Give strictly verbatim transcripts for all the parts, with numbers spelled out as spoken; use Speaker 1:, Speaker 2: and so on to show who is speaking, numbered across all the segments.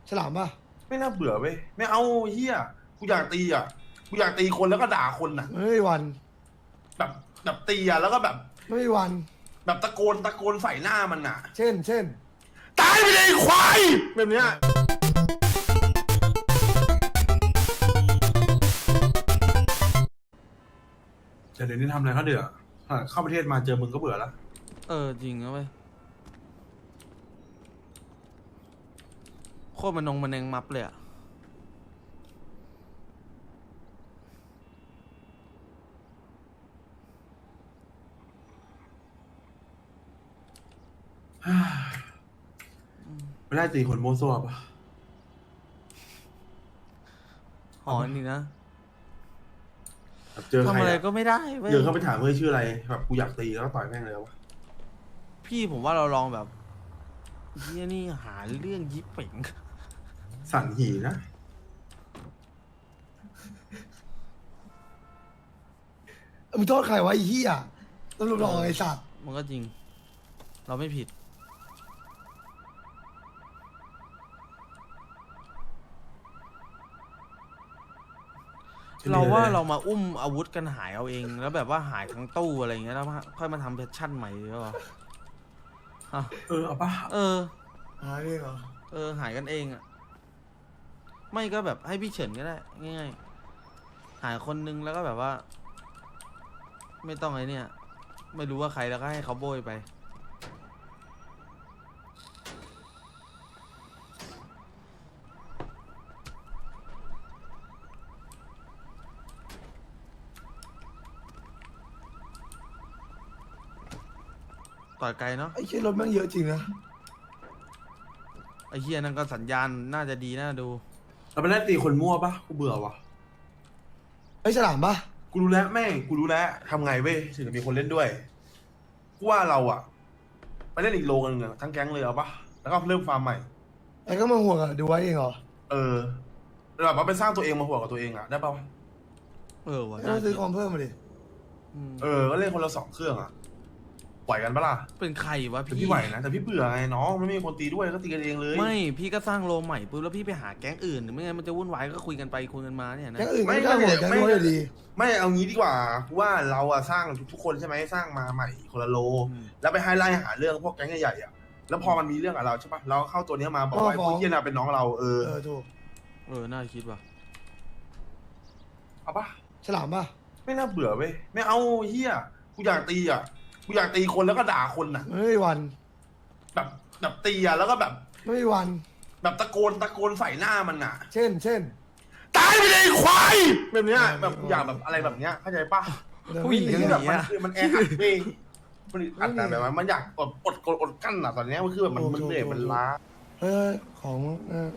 Speaker 1: ฉลามป่ะ
Speaker 2: ไม่น่าเบื่อเว้ยไม่เอาเฮียกูอยากตีอ่ะกูอยากตีคนแล้วก็ด่าคนอ่ะ
Speaker 1: ไม่มีวัน
Speaker 2: แบบแบบตีอ่ะแล้วก็แบบ
Speaker 1: ไม่มีวัน
Speaker 2: แบบตะโกนตะโกนใส่หน้ามันอ่ะ
Speaker 1: เช่น เช่น
Speaker 2: ตายไปเลยควายแบบเนี้ยแต่เดี๋ยวนี้ทำอะไรเขาเดือดเข้าประเทศมาเจอมึงก็เบื่อแล้ว
Speaker 3: เออจริงนะเว้ยโคตรมันนงมันเองมับเลยอะ
Speaker 2: ไม่ได้ตีคนโมโซ่ปะ
Speaker 3: หอนี่นะ
Speaker 2: เจอใคร
Speaker 3: ทำอะไรก็ไม่ได้เว้ย
Speaker 2: เดินเข้าไปถามเฮ้ยชื่ออะไรแบบกูอยากตีแล้วก็ต่อยแม่งเลยวะ
Speaker 3: พี่ผมว่าเราลองแบบเฮียนี่หาเรื่องยิบเป่ง
Speaker 2: สั่นหีนะ
Speaker 1: มึงโทษใครวะไอ้เหี้ยตำรวจหลอกไอ้สัตว์
Speaker 3: มันก็จริง เราไม่ผิดเราว่าเรามาอุ้มอาวุธกันหายเอาเองแล้วแบบว่าหายทั้งตู้อะไรอย่างเงี้ยแล้วค่อยมาทำเพชชั่นใหม่หรือเปล่าอ่ะ
Speaker 2: เออเอาปะ
Speaker 3: เออ
Speaker 1: หายเองเหรอ
Speaker 3: เออหายกันเองอ่ะไม่ก็แบบให้พี่เฉินก็ได้ง่ายๆหายคนนึงแล้วก็แบบว่า ไม่ต้องไอ้เนี่ยไม่รู้ว่าใครแล้วก็ให้เขาโบยไปต่อยไกลเนาะ
Speaker 1: ไอ้เชี่ยรถแม่งเยอะจริงนะ
Speaker 3: ไอ้เฮียนั่นก็สัญญาณน่าจะดีน่าดู
Speaker 2: เราไปไล่ตีคนมั่วปะกูเบื่อวะ
Speaker 1: ไอ้ฉลามป่ะ
Speaker 2: กูรู้แล้วแม่งกูรู้แล้วทำไงเว้ยถึงจะมีคนเล่นด้วยกูว่าเราอะไปเล่นอีกโลนึงอะทั้งแก๊งเลยเอาปะแล้วก็เริ่มฟาร์มใหม่
Speaker 1: ไอ้ก็มาห่วงอะดูไว้เองเหรอ
Speaker 2: เออแบบว่าไปสร้างตัวเองมาหัวกับตัวเองอะได้ปะ
Speaker 3: เออวะ
Speaker 1: ไม่ต้องซื้อคอมเพิ่มมาดิ
Speaker 3: ม
Speaker 2: เออก็เล่นคนละสองเครื่องอะไหวกันปะล่ะ
Speaker 3: เป็นใครวะ
Speaker 2: แต่
Speaker 3: พี่
Speaker 2: พี่ไหวนะแต่พี่เบื่อไงน้องไม่มีคนตีด้วยก็ตีกันเองเลย
Speaker 3: ไม่พี่ก็สร้างโลใหม่ปุ๊บแล้วพี่ไปหาแก๊งอื่นไม่งั้นมันจะวุ่นวายก็คุยกันไปคุยกันมาเนี่ยนะ
Speaker 1: แก๊งอื่นไม่ได้ห่วงแก๊งนู้นเลยดี
Speaker 2: ไม่เอางี้ดีกว่ากูว่าเราอะสร้างทุกๆคนใช่ไหมสร้างมาใหม่คนละโล แล้วไปให้ไล่หาเรื่องพวกแก๊งใหญ่ๆอะแล้วพอมันมีเรื่องกับเราใช่ปะเราเข้าตัวเนี้ยมาบอกว่าไอ้พวกเหี้ยน่ะเป็นน้องเราเออ
Speaker 1: เออถูก
Speaker 3: เออน่าคิดว่ะ
Speaker 2: เอาปะ
Speaker 1: ฉลามป่ะ
Speaker 2: ไม่น่าเบื่อเว้ยไม่เอาเฮียกูอยากตีอ่ะกูอยากตีคนแล้วก็ด่าคนอ่ะ
Speaker 1: ไม่มีวัน
Speaker 2: แบบแบบตีอ่ะแล้วก็แบบ
Speaker 1: ไม่มีวัน
Speaker 2: แบบตะโกนตะโกนใส่หน้ามันอ่ะ
Speaker 1: เช่น เช่น
Speaker 2: ตายไปเลยควายแบบเนี้ยแบบกูอยากแบบอะไรแบบเนี้ยเข้าใจปะ
Speaker 3: ผู้หญิง
Speaker 2: คือ
Speaker 3: ห
Speaker 2: แบบ
Speaker 3: นี
Speaker 2: มัน
Speaker 3: อะ
Speaker 2: คือมันแออัดเว้ยมันอัดแต่แบบว่ามันอยากอดอดกดอดกั้นอ่ะตอนเนี้ยมันคือแบบมันมันเหนื่อยมันล้า
Speaker 1: เออของเออ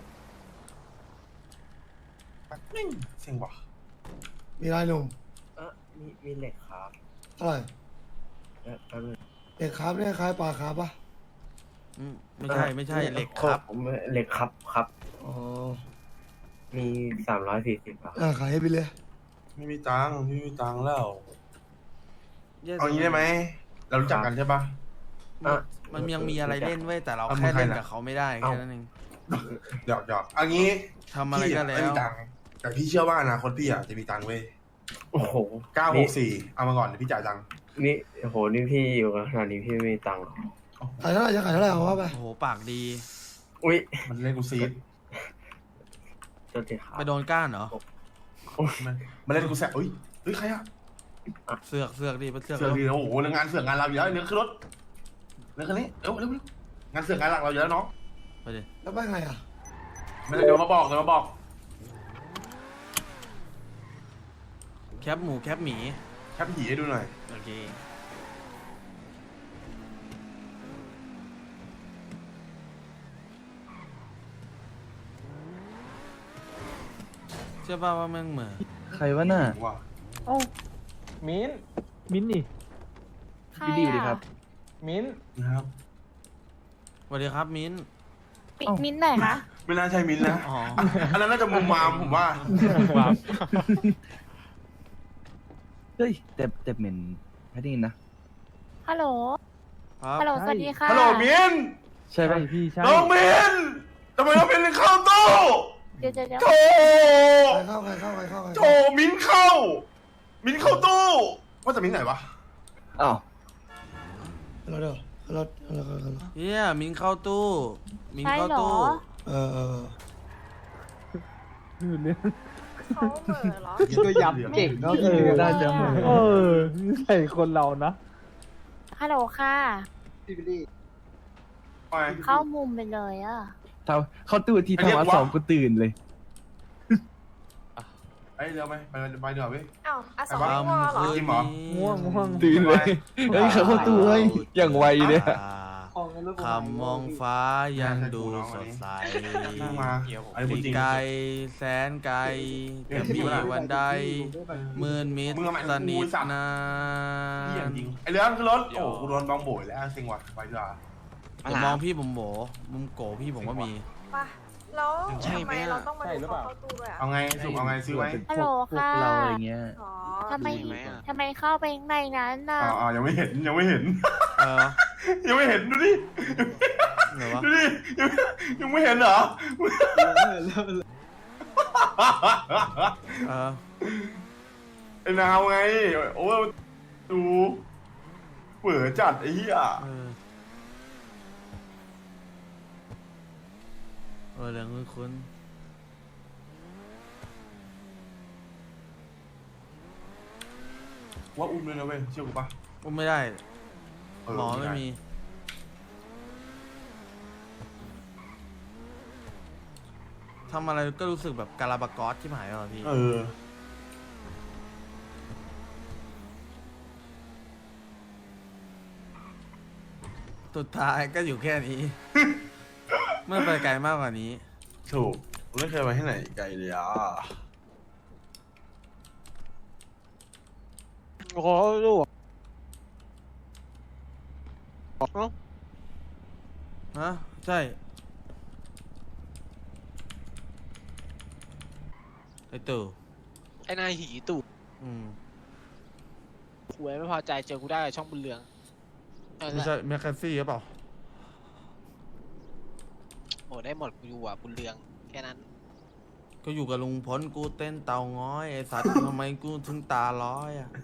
Speaker 2: แม่งเซ็งว่ะ
Speaker 1: มีอะไรหนุ่ม
Speaker 4: เออมีมีเหล็กครับ
Speaker 1: เท่าไหร่
Speaker 4: เออแป๊บนึง
Speaker 1: เด็กครับเนี่ยคล้ายปลาครับป่ะ
Speaker 3: อืมไม่ใช่ไม่ใช่เหล็กครับ
Speaker 4: ผมเหล็กครับครับ
Speaker 1: อ๋อ
Speaker 4: มีสามร้อยสี่สิบครับ
Speaker 1: อ่าขายให้ไปเลย
Speaker 2: ไม่มีตังค์ไม่มีตังค์แล้ว
Speaker 3: แย่
Speaker 2: เอางี้ได้ไหมเรารู้จักกันใช่ปะ
Speaker 4: อ่ะ
Speaker 3: มันยังมีอะไรเล่นเว้ยแต่เรา
Speaker 2: เอา
Speaker 3: แค่เล่น
Speaker 2: มึงใครนะ
Speaker 3: กับเขาไม่ได้แค่นั้นเอง
Speaker 2: หยอกหยอกเอางี้
Speaker 3: ทำอะไรก็แล้
Speaker 2: พี่ไม่
Speaker 3: ว
Speaker 2: มีตังค์แต่พี่เชื่อว่าอนาคตพี่อ่ะจะมีตังค์เว้ย
Speaker 4: โอ้โห
Speaker 2: เก้าหกสี่เอามาก่อนเดี๋ยวพี่จ่ายตังค์
Speaker 4: นี่โอ้โหนี่พี่อยู่กันขนาดนี้พี่ไม่มีตังค์หรอ
Speaker 1: ขายเท่าไหร่จะขายเท่าไหร่เอาว่าไป
Speaker 3: โอ้โหปากดี
Speaker 4: อุ้ย
Speaker 2: มันเล่นกูซีด
Speaker 4: ตัวเจ็ดครับ
Speaker 3: ไปโดนก้านเหรอ
Speaker 2: มันมันเล่นกูแสบเฮ้ยเฮ้ยใครอ่ะ
Speaker 3: เสือกเสือกดิไปเสือก
Speaker 2: เสือก
Speaker 3: แล้ว
Speaker 2: ดีนะโอ้โหงานเสือกงานเราอยู่แล้วเนื้อขึ้นรถเนื้อคันนี้เร็วเร็วเร็วงานเสือกงานหลักเราอยู่แล้วน้อง
Speaker 3: ไปดิ
Speaker 1: แล้วไปไงอ่ะ
Speaker 2: มันเดี๋ยวมาบอกเดี๋ยวมาบอก
Speaker 3: แคปหมูแคปหมี
Speaker 2: แคปผีให้ดูหน่อย
Speaker 3: โอเคเชื่อป่าว่าแม่งเหมือน
Speaker 5: ใครวะน่ะ
Speaker 2: ว่า
Speaker 5: เอ้า
Speaker 6: มิ้น
Speaker 5: มิ้นนี่
Speaker 7: ใคร
Speaker 5: พี่ดีดีครับ
Speaker 6: มิ้น
Speaker 2: นะครับ
Speaker 3: สวัสดีครับมิ้น
Speaker 7: ปิ
Speaker 5: เอ้า
Speaker 7: มิ้นท์ไหนคะ
Speaker 2: ไม่น่าใช่มินนะ
Speaker 3: อ๋อ
Speaker 2: อันนั้นน่าจะมุมมามผมว่า
Speaker 5: เฮ้ยแต่แต่เหม็นแพทตี้นะ
Speaker 7: ฮัลโหล
Speaker 3: ครับ
Speaker 7: ฮัลโหล สวัสดีค่ะ
Speaker 2: ฮัลโหลมิน
Speaker 5: ใช่ป่ะพี่ใช่
Speaker 2: น้องมินทำไมน้องมินเข้าตู้
Speaker 7: เดี๋ยวเดี๋ยวเดี๋ยว
Speaker 2: โถ
Speaker 1: ใครเข้าใครเข้าใครเข้าใคร
Speaker 2: โถ
Speaker 1: เข้า
Speaker 2: มิ้นเข้า มิ้นเข้าตู้ว่าแต่มิ้นไหนวะ
Speaker 5: อ้าว
Speaker 1: เราเดี๋ยวเราเราเราเรา
Speaker 3: เฮียมินเข้าตู้มิน
Speaker 7: ใช่
Speaker 3: เข้า
Speaker 7: เหรอ
Speaker 3: ตู้
Speaker 1: เออเออ
Speaker 7: เขาเหม่อเหรอ
Speaker 6: ก็ยับเก่งเนาะ
Speaker 7: เออ
Speaker 5: น่าจะเหมือน
Speaker 6: เออใส่คนเรานะ
Speaker 7: ฮัลโหลค่ะ
Speaker 2: ไป
Speaker 7: เข้ามุมไปเลยอ่ะ
Speaker 5: ทำเข้าตู้ที่
Speaker 2: ไอ้เรียก
Speaker 5: ทำวัด
Speaker 2: ว่า
Speaker 5: สองกูตื่นเลย
Speaker 2: ไอ้ยเดี๋ยวไหมไปไปเดี๋ยวเว้ย
Speaker 7: อ้าวอาสอง
Speaker 2: ไอ้บ้า
Speaker 7: ง่วงเหรอ
Speaker 3: คืน
Speaker 2: จริงเหรอ
Speaker 3: นี้
Speaker 6: ง่วงง่วง
Speaker 5: ตื่นเลยเฮ้ยเขาเข้าตู้เฮ้ยอย่างไวเลย
Speaker 3: คำมองฟ้ายังดูสดใส
Speaker 2: นั่งมาไอ้พูดจริง
Speaker 3: ไกลแสนไกลจะมีวันใดมืนมิด
Speaker 2: มึงเอาใหม่
Speaker 3: สนิท
Speaker 2: กูสั่ง
Speaker 3: นา
Speaker 2: พี่อย่าง
Speaker 3: น
Speaker 2: จริงไอ้เรื่องขึ้นรถโอ้กูโดนบองโบยแล้วเซ็งว่ะไปดีกว่า
Speaker 3: อย่ามองพี่ผมโบมุมโกพี่ผมก็มี
Speaker 8: ป่ะแล้ว
Speaker 2: ใช่
Speaker 8: ทำ
Speaker 2: ไหม
Speaker 8: ไม
Speaker 2: อะ
Speaker 8: เราต้องมา
Speaker 6: ใช่
Speaker 8: ดู
Speaker 6: หรือเป
Speaker 8: เขา
Speaker 6: ล่า
Speaker 8: เข้าตู้ด้วยอ่ะ
Speaker 2: เอาไงสุกเอาไงซื้อไหม
Speaker 7: ฮัลโหล
Speaker 5: พวก
Speaker 7: ค่ะ
Speaker 5: เราอะไรเงี้ย
Speaker 8: อ๋อ
Speaker 7: ทำไมทำไมเข้าไปข้างในนั้นน่ะ
Speaker 2: อ๋ออ๋อยังไม่เห็นยังไม่เห็น
Speaker 3: เออ
Speaker 2: ยังไม่เห็นดูดิ
Speaker 3: เหรอวะ
Speaker 2: ดูดิยังยังไม่เห็นเหรอ
Speaker 3: เออ
Speaker 2: ไอ้นาวไงโอ้ดูเปื่อจัดไอ้เหี้ย
Speaker 3: เออเออเรื่องคุณคุณ
Speaker 2: ว่าอุ้มเลยนะเว้ยเชื่อกูปะ
Speaker 3: อุ้มไม่ได้
Speaker 2: เออ
Speaker 3: หมอไม่มี ทำอะไรก็รู้สึกแบบกาลาบากอสที่หายอ่ะพี่
Speaker 2: เออ
Speaker 3: สุดท้ายก็อยู่แค่นี้ ไม่ไปไกลมากกว่านี้
Speaker 2: ถูกไม่เคยไปที่ไหนไกลเลยอ่ะ
Speaker 6: โอ้ลูก
Speaker 3: ฮะ ใช่ ไอตู่
Speaker 9: ไอ้นายหีตู่
Speaker 3: อืม
Speaker 9: หวยไม่พอใจเจอกูได้กับช่องบุญเรืองนั่นแห
Speaker 3: ไม่
Speaker 9: ละ
Speaker 3: ใช่แมคคาซี่หรือเปล่า
Speaker 9: โอ้ได้หมดกูอยู่อ่ะบุญเรืองแค่นั้น
Speaker 3: ก็อยู่กับลุงพลกูเต้นเตาง้อยไอสัตว์ ทำไมกูถึงตาร้อยอ่ะ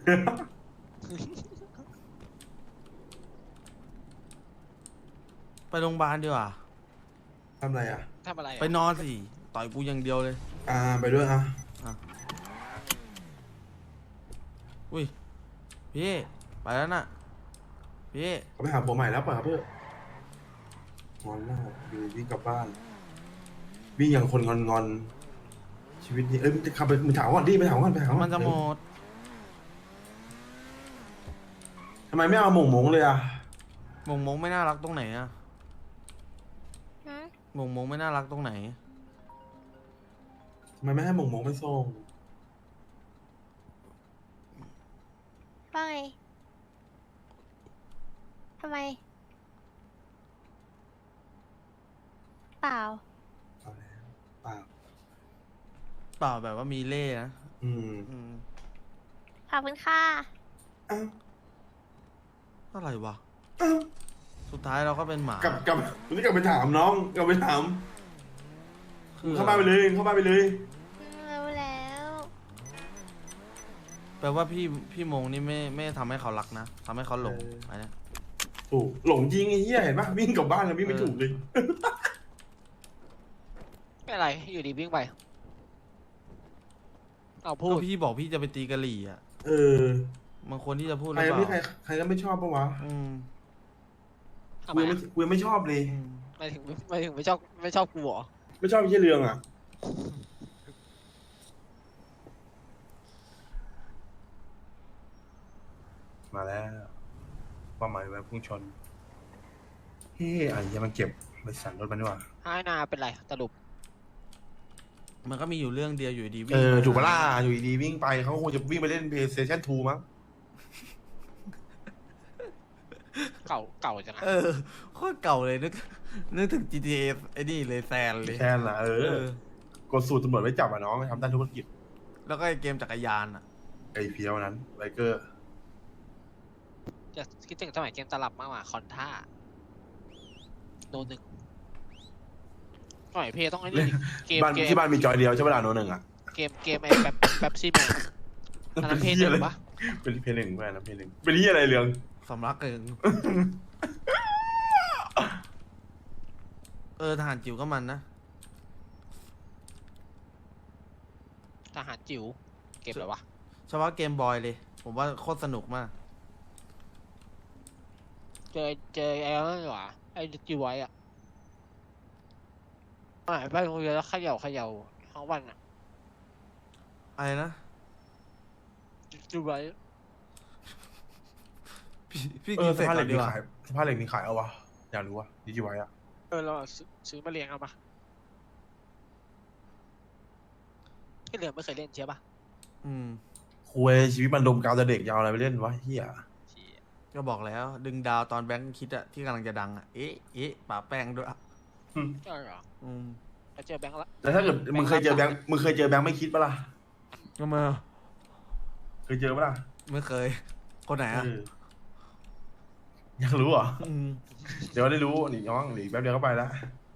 Speaker 3: ไปโรงพยาบาลดีกว่า
Speaker 2: ทำอะไรอ่ะ
Speaker 9: ทำอะไรอ่ะ
Speaker 3: ไปนอนสิ ต่อยกูอย่างเดียวเลย
Speaker 2: อ่าไปด้วยอ่ะ
Speaker 3: อุ้ย พี่ ไปแล้วน่ะ พี่
Speaker 2: เขาไปหาผัวใหม่แล้วป่ะเพื่อนงอนแล้วอยู่วิ่งกลับบ้านวิ่งอย่างคนงอนงอนๆชีวิตนี้เอ้ยมึงจะขับไปมึงถามก่อนดิไปถามก่อนไปถามก่อน
Speaker 3: มันจะหมด
Speaker 2: ทำไมไม่เอาหม่งหมงเลยอ่ะ
Speaker 3: มงมงไม่น่ารักตรงไหนอะ
Speaker 7: หืม
Speaker 3: มงมงไม่น่ารักตรงไหน
Speaker 2: ทำไมไม่ให้หม่งหมงไปส่ง
Speaker 7: ว่าไงทำไม เปล่า
Speaker 2: เอาแล้วเปล่า
Speaker 3: เปล่าแบบว่ามีเล่ห์นะ
Speaker 2: อืม
Speaker 3: อืม
Speaker 7: ขอบคุณค่ะ
Speaker 2: อ้าว
Speaker 3: อะไรวะ
Speaker 2: อ้าว
Speaker 3: สุดท้ายเราก็เป็นหมาก
Speaker 2: ลับกลับวันนี้กลับไปถามน้องกลับไปถาม
Speaker 3: คือ
Speaker 2: เข้าบ้านไปเลยเข้าบ้านไปเลย
Speaker 7: รู้แล้ว
Speaker 3: แปลว่าพี่พี่มงนี่ไม่ไม่ทำให้เขารักนะทำให้เขาหลง
Speaker 2: เออ
Speaker 3: ไปนะ
Speaker 2: ถูกหลงจริงไอ้เหี้ยเห็นปะวิ่งกลับบ้านแล้ววิ่งไม่ถูกเลย
Speaker 9: ไม่อะไรอยู่ดีวิ่งไปเอาพู
Speaker 3: ก็
Speaker 9: ด
Speaker 3: พี่บอกพี่จะไปตีกะหรี่อ่ะ
Speaker 2: เออ
Speaker 3: มันควรที่จะพูดห
Speaker 2: ใคร
Speaker 3: รือ
Speaker 2: ก็
Speaker 3: เป
Speaker 2: ไม่ใคร
Speaker 3: ล่า
Speaker 2: ใครก็ไม่ชอบปะวะ
Speaker 3: อืม
Speaker 9: ทำ
Speaker 2: กู
Speaker 9: ไม
Speaker 2: ยังไม่
Speaker 9: อะ
Speaker 2: กูยังไม่ชอบเลย
Speaker 3: อืม
Speaker 9: ไม่ถึงไม่ถึงไม่ชอบไม่ชอบกูเหรอ
Speaker 2: ไม่ชอบไอ้เหี้ยเรืองอ่ะ มาแล้วป้าหมายไว้พุ่งชน เฮ้ยไอ้เหี้ยังมันเก็บไปสั่นรถมันดีกว่า
Speaker 9: ให้นาเป็นไรสรุป
Speaker 3: มันก็มีอยู่เรื่องเดียวอยู่ดีวิ่ง
Speaker 2: เออ
Speaker 3: มา
Speaker 2: ถูกปะล่ะอยู่ดีๆวิ่งไปเขาคงจะวิ่งไปเล่น PlayStation ทูมั้ง
Speaker 9: เก่าเก่าจังอะ
Speaker 3: เออโคตรเก่าเลยนึกนึกถึง จี ที เอ ไอ้นี่เลยแซนเลย
Speaker 2: แค่นั้นละเอ
Speaker 3: เอ
Speaker 2: อ
Speaker 3: อ
Speaker 2: กดสูตรตำรวจไว้จับอ่ะน้องทำด้านธุรกิจ
Speaker 3: แล้วก็ไอ้เกมจักรยานอ่ะ
Speaker 2: ไอ้เพียวนั้นไบเกอร์
Speaker 9: จะคิดถึงสมัยเกมตลับมากกว่าคอนท่าโดนหนึ่ง
Speaker 2: ค
Speaker 9: หน่อยพี่ต้องไอ้นี่ดิเกม
Speaker 2: บ้าน
Speaker 9: เกม
Speaker 2: ที่บ้านมีจอยเดียวใช่ไหมล่ะโนหนึ่งอ่ะ
Speaker 9: เกมเกมไอ้แบบแบบซี่แมนอันนั้นเพย์หนึ่งปะ
Speaker 2: เป็นเพลงหนึ่งเพื่อนนะเพลงหนึ่งเป็นที่อะไรเรื่อง
Speaker 3: สำลักเกิน เออทหารจิ๋วก็มันนะ
Speaker 9: ทหารจิ๋วเกมอะไรวะ
Speaker 3: เฉพาะเกมบอยเลย ผมว่าโคตรสนุกมาก
Speaker 9: เจอเจอไอ้นั่นหรอไอ้จิ๋วไว้อะหายไปโรงเรียนแล้วเขย่าเขย่าทั้งวันอะ
Speaker 3: อะไรนะ
Speaker 9: จิ๋วไว้
Speaker 3: พี่พี่
Speaker 2: เอ
Speaker 3: กิ
Speaker 2: อน ส
Speaker 3: เสร็จ
Speaker 2: ภาพเห
Speaker 3: ก่
Speaker 2: ล็
Speaker 3: อก นดี
Speaker 2: มี
Speaker 3: กว่า
Speaker 2: ขายสภาพเหล็กมีขายเอาวะอยากรู้วะดีจีไว้อะ
Speaker 9: เออเราซื้อซื้อมาเลี้ยงเอาปะที่เหลือไม่เคยเล่นใช่ปะ
Speaker 3: อืม
Speaker 2: คุยชีวิตมันดมกาวแต่เด็กยาวอะไรไปเล่นวะเฮีย
Speaker 3: ก็บอกแล้ว ดึงดาวตอนแบงค์คิดอะที่กำลังจะดังอะเอ๊ะเอ๊ะป่าแป้งด้วยอะ
Speaker 9: ใช่เหรอ
Speaker 3: อืม
Speaker 9: แล้วเจอแบงค์ละ
Speaker 2: แต่ถ้าเกิดมึงเคยเจอแบงค์มึงเคยเจอแบงค์ไม่คิดปะล่ะ
Speaker 3: ก็มา
Speaker 2: เคยเจอปะล่ะ
Speaker 3: ไม่เคย คนไหนอะ
Speaker 2: เอออยากรู้เหรอ
Speaker 3: อืม
Speaker 2: เดี๋ยวได้รู้หนีน้องหนีแป๊บเดียวก็ไปแล้ว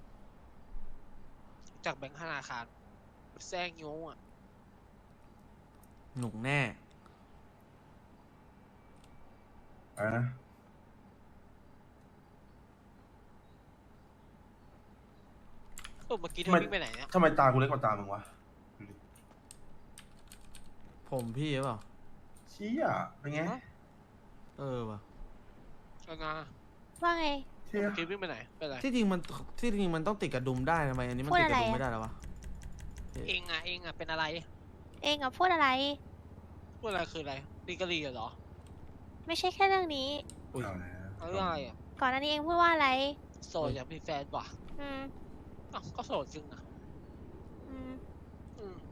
Speaker 9: จากแบงค์ธนาคารแซงโย้อะ
Speaker 3: หนุกแน่
Speaker 2: อะไรนะ
Speaker 9: เออเมื่อกี้เธอวิ่งไปไหนเนี่ย
Speaker 2: ทำไมตากูเล็กกว่าตามึงวะดูดิ
Speaker 3: ผมพี่หรือเปล่า
Speaker 2: เชี่ยเป็นไง
Speaker 3: เออว่ะ
Speaker 9: เอางา
Speaker 7: ว่าไง
Speaker 2: เชี่ย
Speaker 9: เมื่อกี้วิ่งไปไหนไปไหน
Speaker 3: ที่จริงมันที่จริงมันต้องติดกระดุมได้ทำไมอันนี้มัน
Speaker 7: พูด
Speaker 3: ติดกระดุม
Speaker 7: อะไรอะ
Speaker 3: ไม่ได้แล้ววะ
Speaker 9: เองอะเองอะเป็นอะไร
Speaker 7: เองอะพูดอะไร
Speaker 9: พูดอะไรคืออะไรลีกะลีเหรอ
Speaker 7: ไม่ใช่แค่เรื่องนี้
Speaker 3: อุ้ย
Speaker 2: เอาแล้ว
Speaker 9: เอาเรื่องอะไรอะ
Speaker 7: ก่อนหน้านี้เองพูดว่าอะไร
Speaker 9: โสดอยากมีแฟนว่ะ
Speaker 7: อืม
Speaker 9: อ้าวก็โสดจริงนะ
Speaker 7: อืม
Speaker 9: อืม